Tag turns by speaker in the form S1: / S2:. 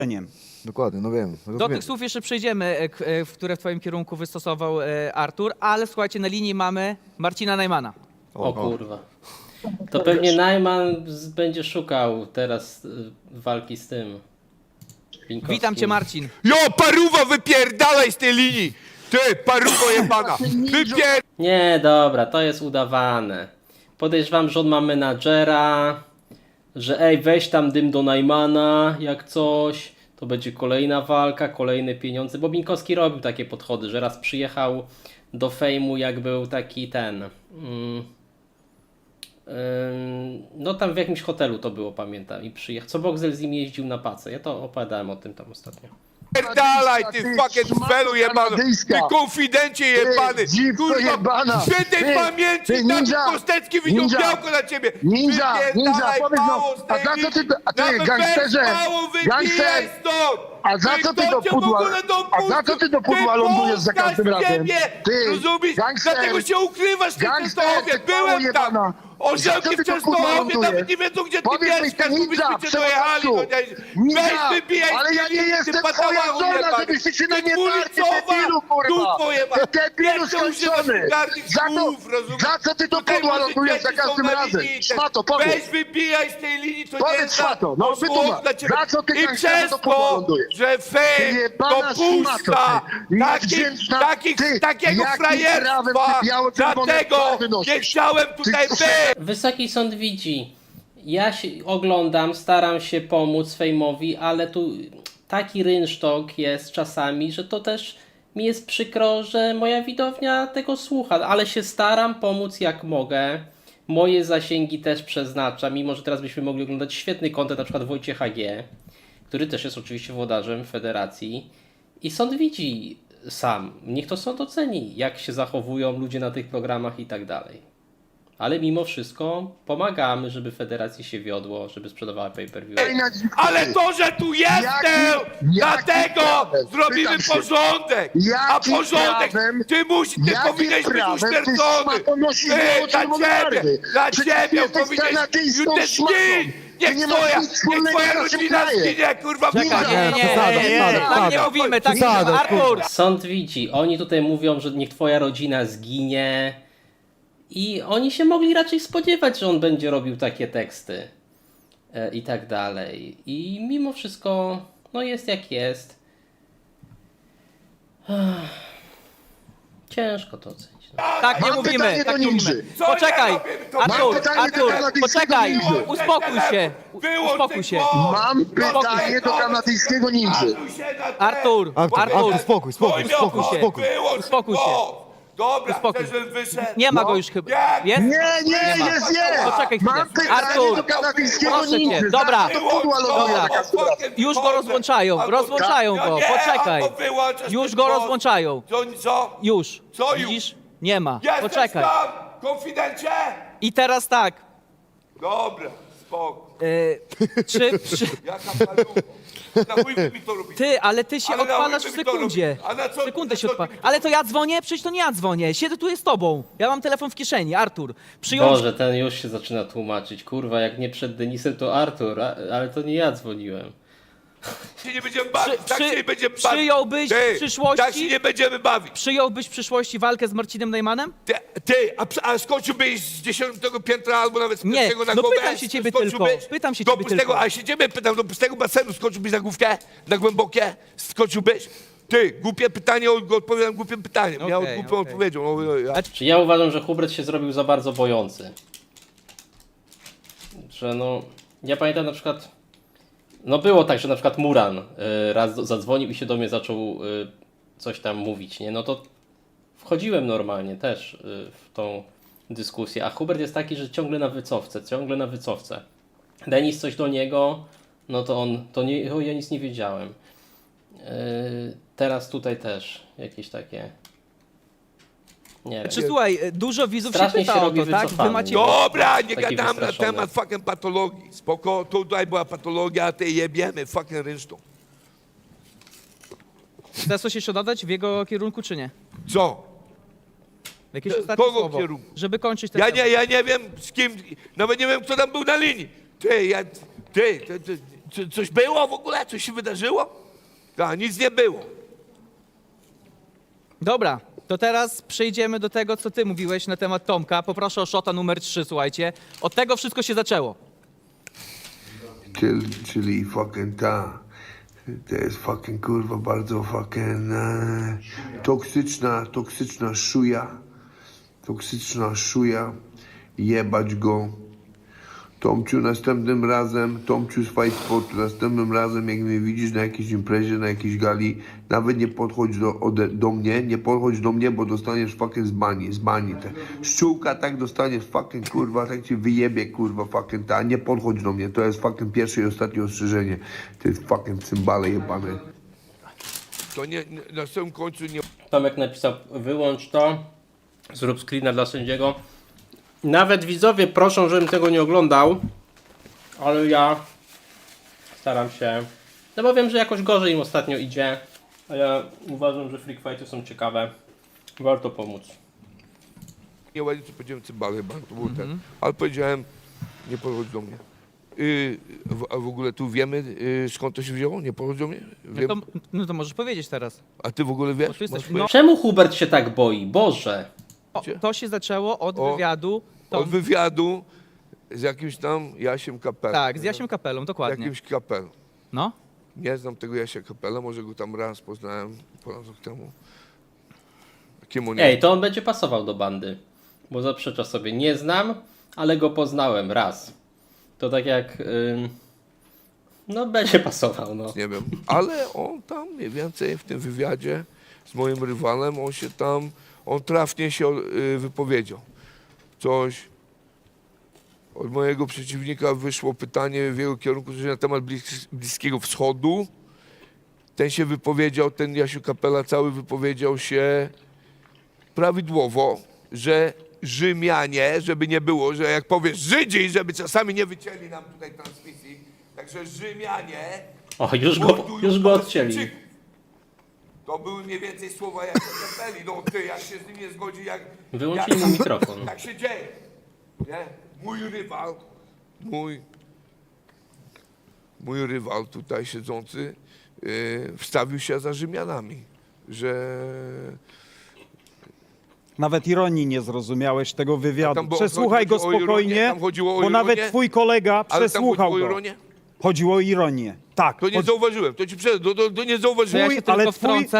S1: Dokładnie, no wiem.
S2: Do
S1: Rozumiem.
S2: tych słów jeszcze przejdziemy, które w twoim kierunku wystosował Artur, ale słuchajcie, na linii mamy Marcina Najmana.
S3: O kurwa. To pewnie Najman będzie szukał teraz walki z tym. Pinkowskim.
S2: Witam cię, Marcin.
S4: Jo, paruwa, wypierdalaj z tej linii! Ty, paruwo jebana!
S3: Nie, dobra, to jest udawane. Podejrzewam, że on ma menadżera, że ej, weź tam dym do Najmana, jak coś. To będzie kolejna walka, kolejne pieniądze. Bo Binkowski robił takie podchody, że raz przyjechał do fejmu, jak był taki ten... no tam w jakimś hotelu to było, pamiętam. I przyjechał. Co Boxel z nim jeździł na pacę. Ja to opowiadałem o tym tam ostatnio.
S4: Wypierdalaj, ty fucking felu jebany! Ty konfidencie jebany!
S1: dziwko jebana!
S4: Świętej
S1: Ty,
S4: pamięci,
S1: ty,
S4: taki
S1: ninja!
S4: Kostecki widział
S1: Ninja!
S4: białko na ciebie!
S1: Ninja,
S4: Wypierdalaj,
S1: powiedz no,
S4: mało z
S1: a
S4: tej
S1: za co ty,
S4: linii.
S1: a ty
S4: Nawet
S1: gangsterze,
S4: bez mało wybijaj
S1: gangster,
S4: stąd!
S1: a za co ty do pudła, a za co ty do pudła lądujesz za każdym razem? Ty,
S4: rozumiesz?
S1: gangster,
S4: Dlatego się ukrywasz w tej
S1: gangster,
S4: Częstochowie!
S1: ty
S4: Byłem tam!
S1: jebana.
S4: Orzełki
S1: Za co
S4: w
S1: ty do pudła
S4: Częstochowie
S1: lądujesz?
S4: nawet nie wiedzą, gdzie ty
S1: Powiedz mi,
S4: mieszkasz,
S1: ty
S4: bo
S1: ninja,
S4: byśmy cię dojechali!
S1: przewodniczący,
S4: Weź
S1: ninja,
S4: wybijaj
S1: ale ja nie jestem twoja żona, żebyś ty się na mnie tarcie, debilu, kurwa! Ty debilu skończony! Za co ty do pudła lądujesz za każdym razem? Szmato,
S4: Weź
S1: powiedz!
S4: wybijaj z tej linii, to
S1: Powiedz,
S4: nie jest
S1: szmato, no wytłumacz. Za co ty
S4: I
S1: gangsterze
S4: przez
S1: do pudła
S4: to,
S1: lądujesz?
S4: że fame
S1: Jebana
S4: dopuszcza
S1: szmato, ty, niewdzięczna,
S4: takiego
S1: jakim prawem
S4: frajerstwa,
S1: ty biało-czerwone
S4: dlatego
S1: flagy nosisz?
S4: nie chciałem tutaj
S1: Ty-
S4: być!
S3: Wysoki sąd widzi. Ja się oglądam, staram się pomóc fejmowi, ale tu taki rynsztok jest czasami, że to też mi jest przykro, że moja widownia tego słucha, ale się staram pomóc jak mogę. Moje zasięgi też przeznaczam, mimo że teraz byśmy mogli oglądać świetny content, na przykład Wojciecha G., który też jest oczywiście włodarzem federacji. I sąd widzi sam. Niech to sąd oceni, jak się zachowują ludzie na tych programach i tak dalej. Ale mimo wszystko pomagamy, żeby federacji się wiodło, żeby sprzedawała pay-per-view.
S4: Ale to, że tu jestem, dlatego
S1: prawem?
S4: zrobimy
S1: Pytam się.
S4: porządek! A
S1: Jakim
S4: porządek,
S1: prawem-
S4: ty powinieneś być
S1: prawem ty
S4: uśmiercony!
S1: szmato nosisz
S4: Dla
S1: biało-czerwone
S4: ciebie,
S1: barwy?
S4: dla
S1: Przecież
S4: ciebie
S1: jesteś
S4: powinieneś...
S1: kanadyjską
S4: Ty
S1: szmatą.
S4: zgin!
S1: Ty
S4: Niech
S1: nie masz
S4: twoja,
S1: nic
S4: niech
S1: wspólnego
S4: twoja
S1: z naszym
S4: rodzina
S1: krajem.
S4: zginie, kurwa!
S2: Czekaj,
S1: Ninja,
S2: tak nie mówimy, tak nie mówimy. Artur!
S3: Sąd widzi, oni tutaj mówią, że niech twoja rodzina zginie i oni się mogli raczej spodziewać, że on będzie robił takie teksty i tak dalej. I mimo wszystko, no jest jak jest. Ciężko to ocenić. No.
S2: Tak nie
S1: Mam
S2: mówimy,
S1: pytanie
S2: tak
S1: do
S2: nie
S1: ninży.
S2: mówimy.
S4: Co
S2: Poczekaj,
S4: ja robię? To
S2: Artur,
S1: mam pytanie do
S2: Artur,
S1: kanadyjskiego
S2: poczekaj,
S1: ninży.
S2: uspokój się,
S4: Wyłącz
S2: uspokój
S4: ten
S2: się.
S4: głos!
S1: Mam pytanie do kanadyjskiego ninży.
S2: Artur,
S1: Artur,
S4: spokój,
S2: uspokój się. Uspokój się.
S4: Dobra,
S2: Uspokój.
S4: chcesz, żebym wyszedł?
S2: Nie ma go już chyba.
S4: Jak?
S2: Jest?
S1: Nie,
S2: ma.
S1: jest.
S2: Poczekaj chwilę.
S1: Mam pytanie
S2: Artur,
S1: do kanadyjskiego
S2: proszę cię,
S1: ninży.
S2: dobra.
S1: Za co to pudła ląduje
S2: Dobra.
S1: za każdym razem?
S2: Już go rozłączają, rozłączają go, poczekaj. Już go rozłączają.
S4: Co?
S2: Już.
S4: Co już?
S2: Widzisz? Nie ma.
S4: Jesteś
S2: Poczekaj.
S4: tam, konfidencie?
S2: I teraz tak.
S4: Dobra, spoko.
S2: Czy
S4: Jaka palucha. Na chuj wy mi to robicie?
S2: ty, ale ty się
S4: Ale na
S2: odpalasz
S4: chuj
S2: w
S4: wy mi to
S2: sekundzie.
S4: robicie? A na co-
S2: Sekundę
S4: na
S2: się
S4: co
S2: odpala.
S4: ty mi to
S2: Ale to ja dzwonię? Przecież to nie ja dzwonię. Siedzę tu z tobą. Ja mam telefon w kieszeni. Artur, przyjąć.
S3: Boże, ten już się zaczyna tłumaczyć. Kurwa, jak nie przed Denisem, to Artur, ale to nie ja dzwoniłem.
S4: Się nie będziemy bawić, tak się nie będziemy bawić.
S2: Przyjąłbyś
S4: Ty,
S2: w przyszłości?
S4: Tak się nie będziemy bawić.
S2: Przyjąłbyś w przyszłości walkę z Marcinem Najmanem?
S4: A skończyłbyś z 10 piętra albo nawet z
S2: Nie,
S4: pierwszego na
S2: no
S4: głowę?
S2: pytam się ciebie
S4: Skończyłbyś?
S2: tylko, pytam się
S4: Do
S2: ciebie
S4: pustego,
S2: tylko.
S4: A się ciebie pytam, do pustego basenu skończyłbyś na główkę? Na głębokie? Skończyłbyś? Ty, głupie pytanie, odpowiadam głupim pytaniem. Ja
S2: Okej,
S4: głupią
S2: okej.
S4: odpowiedzią. No,
S3: Czy ja uważam, że Hubert się zrobił za bardzo bojący. Że no, ja pamiętam na przykład, no było tak, że na przykład Muran raz zadzwonił i się do mnie zaczął coś tam mówić, nie? No to wchodziłem normalnie też w tą dyskusję, a Hubert jest taki, że ciągle na wycofce, ciągle na wycofce. Denis coś do niego, no to on, to nie, o, ja nic nie wiedziałem. Teraz tutaj też jakieś takie, nie wiem.
S2: Czy słuchaj, dużo widzów
S3: Strasznie
S2: się pyta
S3: się
S2: o
S3: robi
S2: to, tak? Wy
S3: wycofany.
S2: macie...
S4: Dobra, nie
S3: Taki
S4: gadam na
S3: wystraszony.
S4: temat fucking patologii. Spoko, tutaj była patologia, a ty jebiemy fucking rynsztą.
S2: Chcesz coś jeszcze dodać w jego kierunku, czy nie?
S4: Co?
S2: Jakieś ostatnie
S4: Kogo
S2: słowo,
S4: kierunku?
S2: żeby kończyć ten
S4: Ja nie wiem z kim, nawet nie wiem kto tam był na linii. Ty, Coś było w ogóle? Coś się wydarzyło? Tak, nic nie było.
S2: Dobra, to teraz przejdziemy do tego, co ty mówiłeś na temat Tomka. Poproszę o shota numer 3, słuchajcie. Od tego wszystko się zaczęło.
S5: Czyli fucking ta. To jest fucking kurwa bardzo fucking toksyczna szuja. Toksyczna szuja. Jebać go. Tomciu, następnym razem, Tomciu z Fight Sportu, następnym razem, jak mnie widzisz na jakiejś imprezie, na jakiejś gali, nawet nie podchodź do mnie, nie podchodź do mnie, bo dostaniesz fucking z bani. Te szczółka tak dostaniesz fucking kurwa, tak ci wyjebie kurwa fucking ta, nie podchodź do mnie, to jest fucking pierwsze i ostatnie ostrzeżenie. Ty fucking cymbale jebane.
S4: To nie, na samym końcu nie...
S3: Tomek napisał, wyłącz to, zrób screena dla sędziego. Nawet widzowie proszą, żebym tego nie oglądał, ale ja staram się, no bo wiem, że jakoś gorzej im ostatnio idzie, a ja uważam, że freak fighty są ciekawe, warto pomóc.
S4: Nie ładnie, co powiedziałem cymbale chyba, to był ten. Ale powiedziałem, nie podchodź do mnie. A w ogóle tu wiemy, skąd to się wzięło? Nie podchodź do mnie? Wiem.
S2: No to możesz powiedzieć teraz.
S4: A ty w ogóle wiesz?
S2: Bo tu jesteś-
S4: Masz
S2: no.
S3: Czemu Hubert się tak boi? Boże!
S2: To się zaczęło od
S4: O,
S2: wywiadu.
S4: Od wywiadu z jakimś tam Jasiem Kapelą.
S2: Tak, z Jasiem Kapelą, dokładnie.
S4: Jakimś kapelą.
S2: No.
S4: Nie znam tego Jasia Kapela, może go tam raz poznałem ponad rok temu. Kim on
S3: Ej,
S4: jest?
S3: to on będzie pasował do bandy, bo zaprzecza sobie, nie znam, ale go poznałem raz. To tak jak, no będzie pasował, no.
S4: Nie wiem, ale on tam mniej więcej w tym wywiadzie z moim rywalem, on trafnie się wypowiedział. Coś od mojego przeciwnika wyszło pytanie w jego kierunku coś na temat Bliskiego Wschodu. Ten się wypowiedział, ten Jasiu Kapela cały wypowiedział się prawidłowo, że Rzymianie, żeby nie było, że jak powiesz Żydzi, żeby czasami nie wycięli nam tutaj transmisji, także Rzymianie
S3: O, już
S4: mordują
S3: go odcięli.
S4: Palestyńczyków. To były mniej więcej słowa jak Kapeli. No ty, jak się z nim nie zgodzi, jak...
S3: Wyłączyli
S4: jak,
S3: mu mikrofon.
S4: Tak się dzieje. Nie? Mój rywal tutaj siedzący wstawił się za Rzymianami, że...
S6: Nawet ironii nie zrozumiałeś tego
S4: A
S6: wywiadu.
S4: tam było-
S6: Przesłuchaj go
S4: chodziło o ironię?
S6: spokojnie,
S4: Tam chodziło o
S6: bo
S4: ironię?
S6: nawet twój kolega
S4: Ale tam
S6: przesłuchał
S4: chodziło o
S6: go.
S4: ironię?
S6: Chodziło o ironię. Tak.
S4: To nie zauważyłem, to ci to nie
S2: To ja
S4: zauważyłem.
S2: się tylko
S6: ale twój-
S2: wtrącę.